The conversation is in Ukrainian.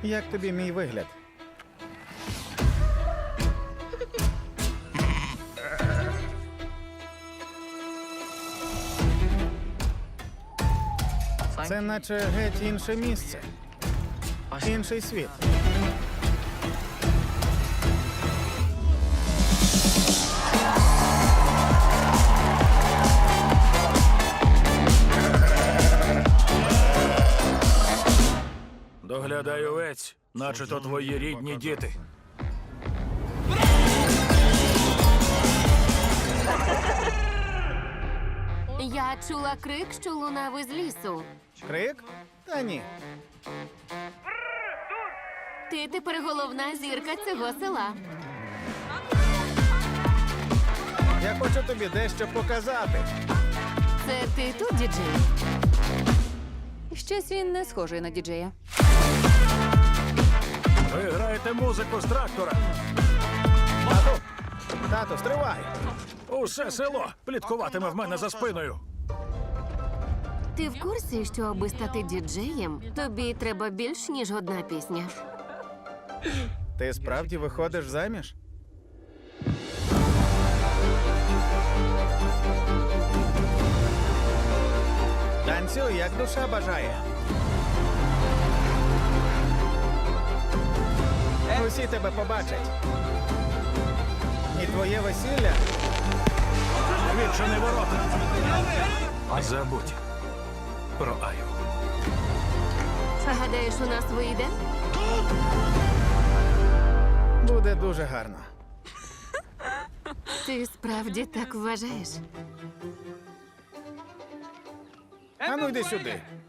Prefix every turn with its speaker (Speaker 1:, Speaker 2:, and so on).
Speaker 1: Як тобі мій вигляд? Це наче геть інше місце. Інший світ.
Speaker 2: Доглядай овець, наче то твої рідні діти.
Speaker 3: Я чула крик, що лунав із лісу.
Speaker 1: Крик? Та ні.
Speaker 3: Ти тепер головна зірка цього села.
Speaker 1: Я хочу тобі дещо показати.
Speaker 3: Це ти тут, діджей?
Speaker 4: Щось він не схожий на діджея.
Speaker 2: Ви граєте музику з трактора.
Speaker 1: Тату, стривай!
Speaker 2: Усе село пліткуватиме в мене за спиною.
Speaker 3: Ти в курсі, що аби стати діджеєм, тобі треба більш, ніж одна пісня?
Speaker 1: Ти справді виходиш заміж? Танцюй, як душа бажає. Усі тебе побачать. І твоє весілля.
Speaker 2: Відчини ворота. Забудь про Аю.
Speaker 3: Гадаєш, у нас вийде?
Speaker 1: Буде дуже гарно.
Speaker 3: Ти справді так вважаєш?
Speaker 1: Ану, йди сюди.